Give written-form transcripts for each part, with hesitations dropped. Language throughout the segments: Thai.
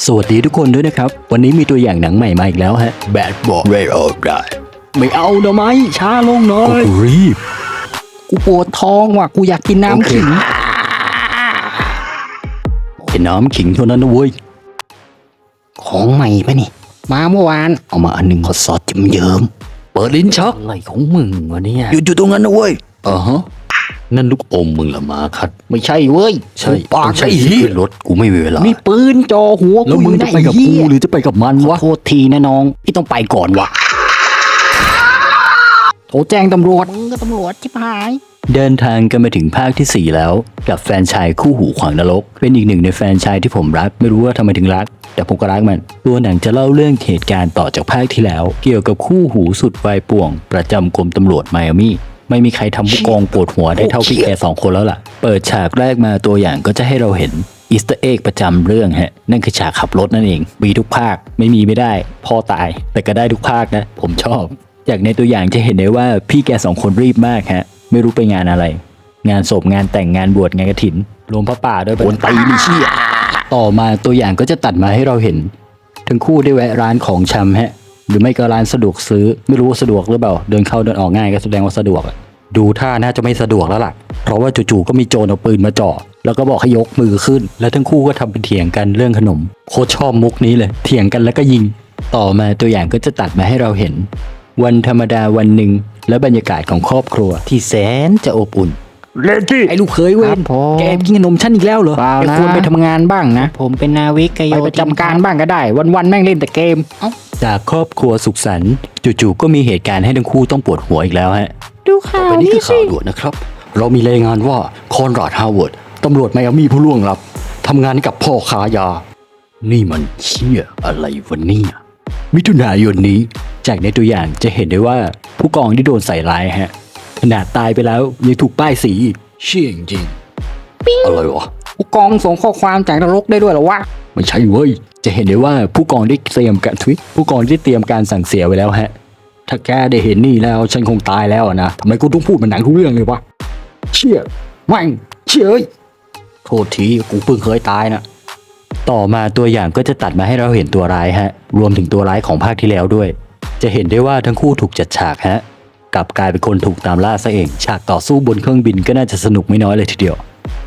สวัสดีทุกคนด้วยนะครับวันนี้มีตัวอย่างหนังใหม่มาอีกแล้วฮะ Bad Boy Red or Die ไม่เอาเดี๋ยวไหมช้าลงหน่อยกูรีบกูปวดท้องว่ะกูอยากกินน้ำขิงเป็นน้ำขิงเท่านั้นนะเว้ยของใหม่ปะนี่มาเมื่อวานเอามาอันหนึ่งขอซอสจิ้มเยิ้มเปิดลิ้นชักอะไรของมึงวะเนี่ยอยู่ตรงนั้นนะเว้ยฮะนั่นลูกอมมึงละมาคัดไม่ใช่เว้ยใช่ปากใช่ขึ้นรถกูไม่มีเวลามีปืนจ่อหัวแล้วมึงจะไปกับกูหรือจะไปกับมันวะโทษทีนะน้องพี่ต้องไปก่อนวะโทรแจ้งตำรวจมึงก็ตำรวจชิบหายเดินทางกันมาถึงภาคที่4แล้วกับแฟนชายคู่หูขวางนรกเป็นอีกหนึ่งในแฟนชายที่ผมรักไม่รู้ว่าทำไมถึงรักแต่ผมก็รักมันตัวหนังจะเล่าเรื่องเหตุการณ์ต่อจากภาคที่แล้วเกี่ยวกับคู่หูสุดวัยป่วงประจำกรมตำรวจไมอามี่ไม่มีใครทำผู้กองปวดหัวได้เท่าพี่แก2คนแล้วล่ะเปิดฉากแรกมาตัวอย่างก็จะให้เราเห็นอีสเตอร์เอ็กประจำเรื่องฮะนั่นคือฉากขับรถนั่นเองมีทุกภาคไม่ได้พ่อตายแต่ก็ได้ทุกภาคนะผมชอบจากในตัวอย่างจะเห็นได้ว่าพี่แก2คนรีบมากฮะไม่รู้ไปงานอะไรงานศพงานแต่งงานบวชงานกฐินรวมพระป่าด้วยคนตีนี่เชี่ยต่อมาตัวอย่างก็จะตัดมาให้เราเห็นทั้งคู่ได้แวะร้านของชำฮะหรือไม่ก็ร้านสะดวกซื้อไม่รู้ว่าสะดวกหรือเปล่าเดินเข้าเดินออกง่ายก็แสดงว่าสะดวกดูท่าน่าจะไม่สะดวกแล้วล่ะเพราะว่าจู่ๆก็มีโจรเอาปืนมาจ่อแล้วก็บอกให้ยกมือขึ้นแล้วทั้งคู่ก็ทำเป็นเถียงกันเรื่องขนมโคตรชอบมุกนี้เลยเถียงกันแล้วก็ยิงต่อมาตัวอย่างก็จะตัดมาให้เราเห็นวันธรรมดาวันหนึ่งและบรรยากาศของครอบครัวที่แสนจะอบอุ่นเลจี้ไอ้ลูกเคยเว้ยแกกินขนมชั้นอีกแล้วเหรอแกควรไปทำงานบ้างนะผมเป็นนาวิกโยธินไปประจำการบ้างก็ได้วันๆแม่งเล่นแต่เกมจากครอบครัวสุขสันต์จู่ๆก็มีเหตุการณ์ให้ทั้งคู่ต้องปวดหัวอีกแล้วฮะดูข่าวนี้คือข่าวด่วนนะครับเรามีรายงานว่าคอนราดฮาวเวิร์ดตำรวจไมอามี่ผู้ล่วงลับทำงานกับพ่อค้ายานี่มันเชี่ยอะไรวะเนี่ยมิถุนายนนี้จากในตัวอย่างจะเห็นได้ว่าผู้กองที่โดนใส่ร้ายฮะขนาดตายไปแล้วยังถูกป้ายสีเชี่ยจริงอะไรวะผู้กองส่งข้อความจากนรกได้ด้วยเหรอวะไม่ใช่เว้ยจะเห็นได้ว่าผู้กองได้เตรียมการผู้กองได้เตรียมการสั่งเสียไว้แล้วฮะถ้าแกได้เห็นนี่แล้วฉันคงตายแล้วนะทำไมกูต้องพูดมันหนังทุกเรื่องเลยวะเชี่ยแม่งเชี่ยโทษทีกูเพิ่งเคยตายนะต่อมาตัวอย่างก็จะตัดมาให้เราเห็นตัวร้ายฮะรวมถึงตัวร้ายของภาคที่แล้วด้วยจะเห็นได้ว่าทั้งคู่ถูกจัดฉากฮะกลับกลายเป็นคนถูกตามล่าซะเองฉากต่อสู้บนเครื่องบินก็น่าจะสนุกไม่น้อยเลยทีเดียว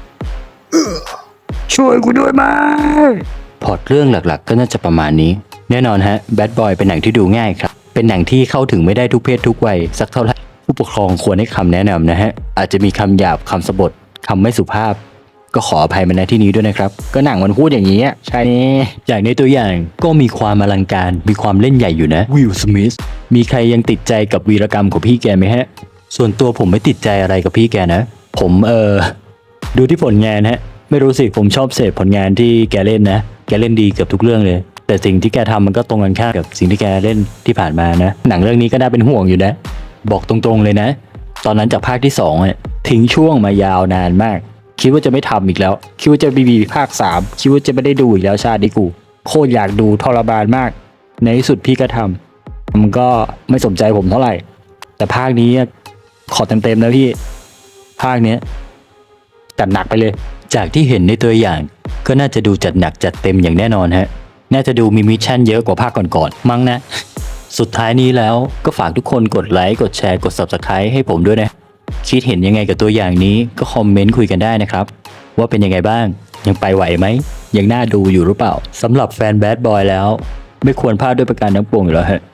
ช่วยกูด้วยมาพล็อตเรื่องหลักๆก็น่าจะประมาณนี้แน่นอนฮะ Bad Boy เป็นหนังที่ดูง่ายครับเป็นหนังที่เข้าถึงไม่ได้ทุกเพศทุกวัยสักเท่าไหร่ผู้ปกครองควรให้คำแนะนำนะฮะอาจจะมีคำหยาบคำสบถคำไม่สุภาพก็ขออภัยมาณที่นี้ด้วยนะครับก็หนังมันพูดอย่างนี้ใช่จากในตัวอย่างก็มีความอลังการมีความเล่นใหญ่อยู่นะวิล สมิธมีใครยังติดใจกับวีรกรรมของพี่แกไหมฮะส่วนตัวผมไม่ติดใจอะไรกับพี่แกนะผมดูที่ผลงานฮะไม่รู้สิผมชอบเสพผลงานที่แกเล่นนะแกเล่นดีเกือบทุกเรื่องเลยแต่สิ่งที่แกทำมันก็ตรงกันข้ามกับสิ่งที่แกเล่นที่ผ่านมานะหนังเรื่องนี้ก็น่าเป็นห่วงอยู่นะบอกตรงๆเลยนะตอนนั้นจากภาคที่2เนี่ยทิ้งช่วงมายาวนานมากคิดว่าจะไม่ทำอีกแล้วคิดว่าจะมีภาค3คิดว่าจะไม่ได้ดูอีกแล้วชาตินี้กูโคตรอยากดูทรมานมากในที่สุดพี่ก็ทำมันก็ไม่สนใจผมเท่าไหร่แต่ภาคนี้ขอเต็มๆนะพี่ภาคนี้จัดหนักไปเลยจากที่เห็นในตัวอย่างก็น่าจะดูจัดหนักจัดเต็มอย่างแน่นอนฮะน่าจะดูมีมิชชั่นเยอะกว่าภาคก่อนๆมั้งนะสุดท้ายนี้แล้วก็ฝากทุกคนกดไลค์กดแชร์กด Subscribe ให้ผมด้วยนะคิดเห็นยังไงกับตัวอย่างนี้ก็คอมเมนต์คุยกันได้นะครับว่าเป็นยังไงบ้างยังไปไหวไหมยังน่าดูอยู่หรือเปล่าสำหรับแฟน Bad Boy แล้วไม่ควรพลาดด้วยประการทั้งปวงอยู่แล้วฮะ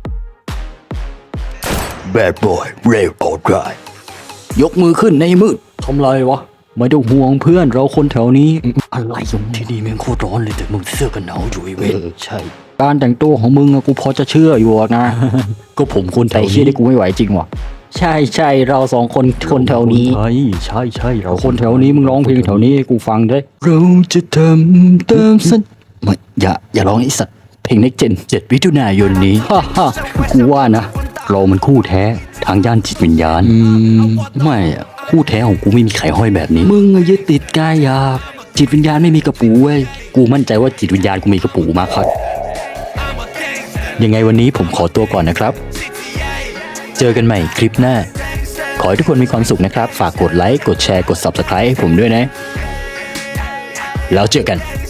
Bad Boy Red or Die ยกมือขึ้นในมืดทำไรวะไม่ต้องห่วงเพื่อนเราคนแถวนี้อะไรอยู่ที่นี่แม่งโคตรร้อนเลยแต่มึงเสื้อกันหนาวอยู่ไอ้เว้ยใช่การแต่งตัวของมึงกูพอจะเชื่ออยู่นะ ก็ผมคนแถวนี้เชื่อได้กูไม่ไหวจริงวะใช่เรา2คนแถวนี้ใช่เราคนแถวนี้มึงร้องเพลงแถวนี้ให้กูฟังด้วยเราจะทำตามสัญไม่อย่าร้องไอ้สัตว์เพลง Next Gen 7 มิถุนายนนี้กูว่านะเรามันคู่แท้ทางด้านจิตวิญญาณไม่คู่แท้ของกูไม่มีไข่ห้อยแบบนี้มึงยึดติดกายหยาบจิตวิญญาณไม่มีกระปูเว้ยกูมั่นใจว่าจิตวิญญาณกูมีกระปูมากครับยังไงวันนี้ผมขอตัวก่อนนะครับเจอกันใหม่คลิปหน้าขอให้ทุกคนมีความสุขนะครับฝากกดไลค์กดแชร์กด Subscribe ให้ผมด้วยนะแล้วเจอกัน